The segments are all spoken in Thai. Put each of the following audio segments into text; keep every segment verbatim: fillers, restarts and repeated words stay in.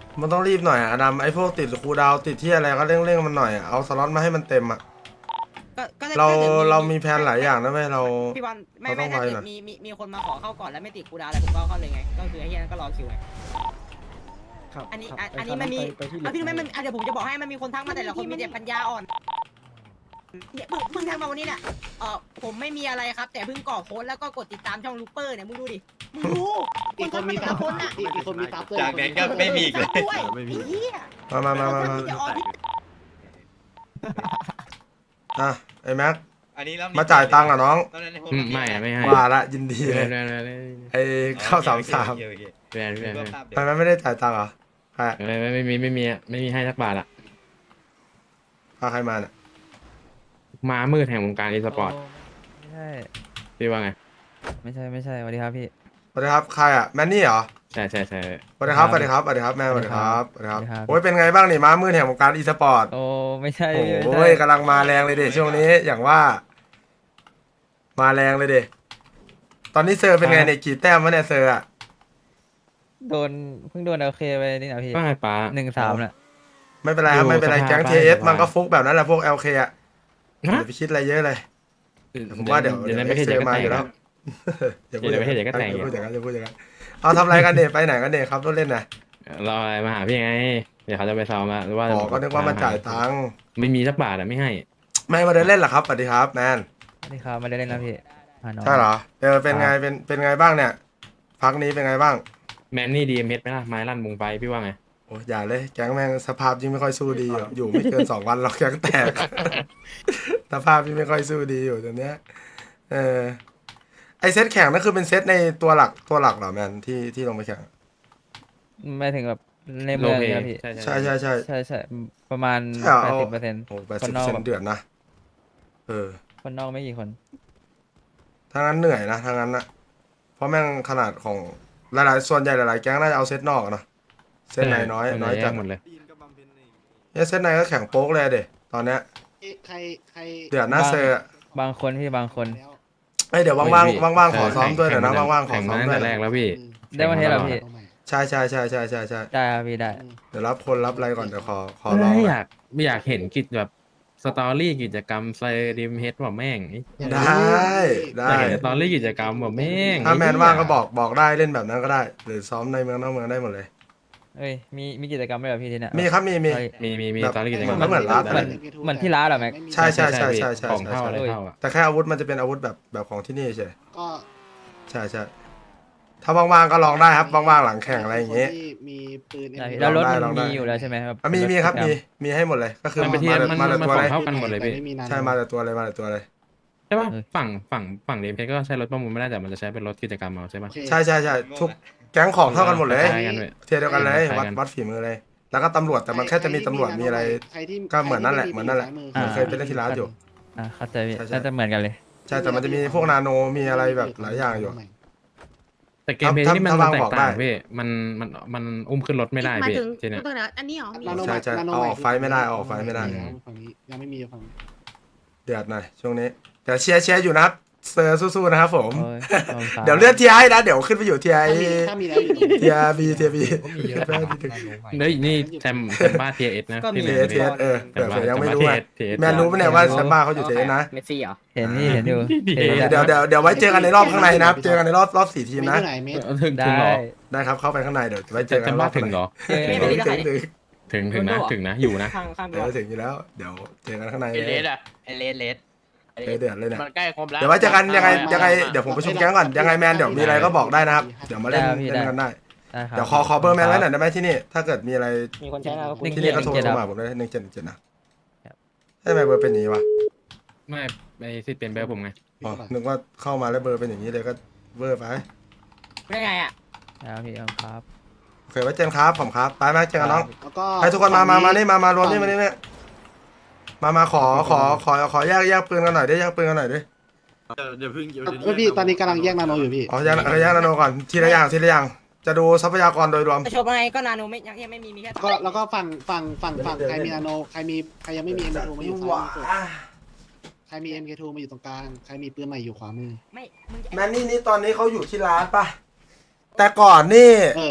มันต้องรีบหน่อยอะดำไอ้พวกติดคูลดาวน์ติดที่อะไรก็เร่งๆมันหน่อยอะเอาสล็อตมาให้มันเต็มอะก็ก็ถ้เราถ้กิดเรามีแผนหลายอย่างนะเว้ยเราพี่บอลไม่เราต้ไม่องถ้าไวเกิดหน่อยมีมีมีคนมาขอเข้าก่อนแล้วไม่ติดกูดาวอะไรผมก็เข้าเลยไงก็คือไอ้เหี้ยนั่นก็รอคิวไงครับอันนี้ครับอันไอันนี้มันมีไปที่อ่ะพี่รู้ไหมมันอ่ะเดี๋ยวผมจะบอกให้มันมีคนทักมาแต่ละคนมีแต่ปัญญาอ่อนเนี่ยเพิ่งเพิ่งทักมาวันนี้เนี่ยเออผมไม่มีอะไรครับ แต่เพิ่งก่อโค้ดแล้วก็กดติดตามช่องลูปเปอร์เนี่ยมึงดูดิมึงดูอีกคนมีแต่ซัละบคนอ่ะอีกอีกคนมีซับด้วยจากนั้นก็ไม่มีอีกเลยซับด้วยไอ้เหี้ยมามามามามาจะออกที่อ่ะไอ้แม็กอันนี้รอบนี้มาจ่ายตังค์เหรอน้องตอนนั้นให้ผมอืมไม่อะไม่ให้ว่าละยินดีแบเลยนแบนแบนไอ้เข้าสามสามโอเคโอเคแบนโอเคแบนนึกแบว่าน ภาพเดียทำวไมไม่ได้จ่ายตังค์เหรอใครไม่ไม่ไม่มีไม่มีไม่มีให้สักบาทอะพาใครมาเนี่ยมามืดแห่งวงการอีสปอร์ตไม่ใช่พี่ว่าไงไม่ใช่ไม่ใช่สวัสดีครับพี่สวัสดีครับใครอ่ะแมนนี่เหรอใช่ใช่ใช่สวัสดีครับสวัสดีครับสวัสดีครับแม่สวัสดีครับสวัสดีครับสวัสดีครับโอ้ยเป็นไงบ้างนี่ม้ามืดแห่งวงการอีสปอร์ตโอ้ไม่ใช่โอ้พี่ไม่โหใช่กำลังมาแรงเลยเด็ช่วงนี้อย่างว่า มาแรงเลยเด็ตอนนี้เซอร์เป็นไงเนี่ยกี่แต้มวะเนี่ยเซอร์อ่ะโดนเพิ่งโดนโอเคไปนี่นะพี่ว่าไงป้าหนึ่งสามน่ะไม่เป็นไรครับอยู่ไม่เป็นไรสภาแก๊งบ้านทีเอสสบายมันก็ฟุกแบบนั้นแหละพวกเอลเคอ่ะอฮะย่าไปคิดอะไรเยอะเลยผมว่าเดี๋ยวเดี๋เดี๋ยยว วในประเทศเซเดี๋ยวก็มาแตอก ยู่แล้วเดี๋ยวในประเทศเดี๋ยวก็แตกอย่าพูดอย่างนั้นอย่าพูดอย่างนั้นเอาทำอะไรกันเนี่ยไปไหนกันเนี่ยครับรถเล่นนะรออะไรมาหาพี่ไงเดี๋ยวเขาจะไปซ้อมมาหรือว่าอ๋อก็นึกว่ามาจ่ายตังค์ไม่มีสักบาทอะไม่ให้ไม่มาเดินเล่นเหรอครับสวัสดีครับแมนสวัสดีครับไม่ได้เล่นนะพี่หาน้องใช่เหรอเออเป็นไงเป็นเป็นไงบ้างเนี่ยพักนี้เป็นไงบ้างแมนนี่ดีเอ็มเอสไหมล่ะไม้ลั่นมุงไฟพี่ว่าไงโอ้ยอย่าเลยแก๊งแม่งสภาพยิ่งไม่ค่อยสู้ดีอยู่อยู่ไม่เกินสองวันเราแก๊งแตก สภาพยิ่งไม่ค่อยสู้ดีอยู่ตอนเนี้ยเออไอเซตแข่งนั่นคือเป็นเซตในตัวหลักตัวหลักเหรอแมนที่ที่ลงไปแข่งไม่ถึงแบบในโลเมืองเพนะพี่ใช่ใช่ใช่ใช่ใช่ใช่ประมาณใช่เหรอแปดสิบเปอร์เซ็นต์โอ้แปดคสิบนนอกเซแบนบเดือดนะเออคนนอกไม่กี่คนถ้างั้นเหนื่อยนะถ้างั้นนะเพราะแม่งขนาดของหลายๆส่วนใหญ่หลายๆแก๊งน่าจะเอาเซตนอกอะเนอะเซตในน้อยน้อยจัดหมดเลยเนี่ยเซตในก็แข่งโป๊กเลยเด็ตอนเนี้ยใครใครเดือดหน้าเซอร์อะบางคนพี่บางคนแล้วเอ้ยเดี๋ยวว่างๆว่างๆขอซ้อมด้วยเดี๋ยวนะว่างๆขอแข่งซ้อมาม ตั้งด้วยแต่แรกแล้วพี่ได้วันเทสเหรอพี่ใช่ใช่ใช่ใช่ใช่ใช่ได้ครับพี่ได้เดี๋ยวรับคนรับอะไรก่อนเดี๋ยวขอขอเอร้องอก่อนอยากไม่อยากเห็นกิจแบบสตอรี่กิจกรรมไซดิมเฮดว่าแม่งไอ้ได้ได้อยากเห็นสตอรี่กิจกรรมว่าแม่งถ้าแมนไอ้เหี้ยว่างก็บอกบอกได้เล่นแบบนั้นก็ได้ หรือซ้อมในเมืองนอกเมืองได้หมดเลยเอ้ยมีมีกิจกรรมไหมเหรอพี่ที่เนี่ยมีครับมีมีเอ้ยมีมีมีแบบสตอรี่กิจกรรมมันเหมือนร้านเหมือนเหมือนที่ร้านเหรอแม็กใช่ใช่ใช่ใช่ใช่ของใช่เท่าอะไรใช่เท่าอ่ะแต่แค่อาวุธมันจะเป็นอาวุธแบบแบบของที่นี่เฉยก็ใช่ใช่ถ้าว่างๆก็ลองได้ครับว่างๆหลังแข่งอะไรอย่างเงี้ยที่มีปืนได้พี่ M แล้วรถลองได้ลองได้มันมีอยู่แล้วใช่ไหมครับอ่ะมีมีครับมีมีให้หมดเลยก็คือมันไปเทียมาบแต่มันมามันแต่มันตัวเลยของเท่ากันหมดเลยพี่ใช่มาแต่ตัวเลยมาแต่ตัวเลยใช่ป่ะฝั่งฝั่งฝั่งเดมเพก็ใช้รถประมูลไม่ได้แต่มันจะใช้เป็นรถกิจกรรมเอาใช่ป่ะใช่ใช่ใช่ทุกแก๊งของเท่ากันหมดเลยคล้ายกันเลยเทียร์เดียวกันเลยคล้ายวัดกันวัดฝีมือเลย แล้วก็ตำรวจแต่มันแค่จะมีตำรวจมีอะไรใคที่ก็เหมือนนั่นแหละเหมือนนั่นแหละซ้ายมืเคยไปเล่นที่ร้านอยู่อ่าเข้าใจพี่ใช่ใช่น่าจะเหมือนกันเลยใช่แต่มันจะมีพวกนาโนมีอะไรแบบหลายอย่างอยู่แต่เกมเพลย์ถ้าที่มันถ้ามันวางแตบอกกได้ต่างพี่มันมันมันอุ้มขึ้นรถไม่ได้หมายพี่ถึงทีเนี้ยตัวไหนอันนี้เหรอมีนาโนใช่ใช่นาโนเอาออกไฟไม่ได้เอาออกไฟไม่ได้แล้วฝั่งนี้ยังไม่มีฝั่งนี้เดือดหน่อยช่วงนี้แต่เชียร์เชียร์อยู่นะครับเซอร์สู้ๆนะครับผมโอ้ยขอบคุณครับเดี๋ยวเลื่อนทีไอนะเดี๋ยวขึ้นไปอยู่ทีไอถ้ามีถ้ามีแล้วอยู่ตรงนี้ทีไอบีทีไอบีเฮ้ยนี่แซมแซมบ้าเทียเอสนะก็มีที่ทีไหนเอสทีเอสเออแซเผื่อมบ้าเผื่อยังไม่แซรู้บ้าไงทีเอสแมนรู้ปะเนี่ยว่าแซมบ้าเขาอยู่ทีเอสนะเมสซี่เหรอเห็นนี่เห็นอยู่ดีเห็นอยู่เดี๋ยวเดี๋ยวเดี๋ยวไว้เจอกันในรอบข้างในนะครับเจอกันในรอบรอบสี่ทีมเมนะตรไหนเมตรถึงถึงได้เหรอได้ครับเข้าไปข้างในเดี๋ยวไว้เจจะอกัแซนมรบ้าอบถึงเหรอเจอถึกันงถึงถึงถึงถึงนะถึงนะอยู่นะข้างข้างเดี๋ยวถึงอยู่แล้วเดี๋ยวเจอกันข้างในไอเลเลย สอะไอเลสเลสเดือดเลยเนี่ยมันใกล้ครบแล้วเดี๋ยวไว้เจอกันยังไงยังไงเดี๋ยวผมประชุมแก๊งก่อนยังไงแมนเดี๋ยวมีอะไรก็บอกได้นะครับเดี๋ยวมาเล่นเล่นกันได้ได้ครับเดี๋ยวขอขอเบอร์แมนไว้หน่อยได้ไหมที่นี่ถ้าเกิดมีอะไรมีคนใช้แล้วก็หนึ่งที่นี่ก็โทรเจ็ดโทรครับมาผมได้หนึ่งเจ็ดหนึ่งเจ็ดนะทำไมเบอร์เป็นอย่างนี้วะไม่ไอซิดเป็นเบอร์ผมไงอ๋อนึกว่าเข้ามาแล้วเบอร์เป็นอย่างนี้เลยก็เบอร์ไปได้ไงอ่ะครับพี่ครับโอเคไว้เจอกันครับผมครับไปไหมเจอกันน้องแล้วก็ให้ทุกคนมามามานี่มามารวมนี่มานี่นี่มามาขอขอขอขอแยกแยกปืนกันหน่อยดิแยกปืนกันหน่อยดิเดี๋ยวเพิ่งเดี๋ยวเอ้ยพี่ตอนนี้กำลังแยกนาโนอยู่พี่อ๋อแยกแยกนาโนก่อนทีละอย่างทีละอย่างจะดูทรัพยากรโดยรวมจะโชว์ไงก็นาโนไม่ยังยังไม่มีมีแค่ก็แล้วก็ฝั่งฝั่งฝั่งฝั่งใครมีนาโนใครมีใครยังไม่มี เอ็ม เค ทู มาอยู่ซ้ายมือสุดใครมี เอ็ม เค ทู มาอยู่ตรงกลางใครมีปืนใหม่อยู่ขวามือไม่มึงจะแมนนี่นี่ตอนนี้เขาอยู่ที่ร้านปะแต่ก่อนนี่เออ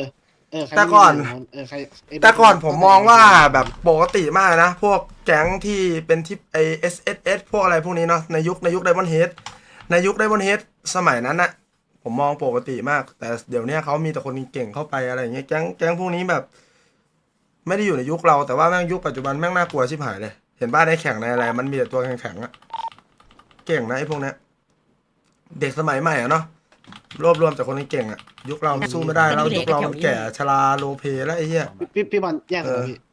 เออใครแต่ก่อนไม่มีเออใครแต่ก่อนผมมองว่าแบบปกติมากนะ พวกแก๊งที่เป็นที่ไอเอสเอสเอสพวกอะไรพวกนี้เนาะในยุคในยุคไดมอนด์เฮดในยุคไดมอนด์เฮดสมัยนั้นนะผมมองปกติมาก แต่เดี๋ยวนี้เขามีแต่คนเก่งเข้าไปอะไรอย่างเงี้ยแก๊งแก๊งพวกนี้แบบ ไม่ได้อยู่ในยุคเราแต่ว่าแม่งยุคปัจจุบันแม่งน่ากลัวชิบหายเลย เห็นบ้านในแข่งในอะไร มันมีแต่ตัวแข็งๆอะเก่งนะไอ้พวกเนี้ยเด็กสมัยใหม่อะเนาะรวบรวมจากคนเก่งอะยุคเราสู้ไม่ได้แล้วยุคเรามันแก่ชราโลเพแล้วไอ้เหี้ยพี่พี่บอลแยกกันเหรอพี่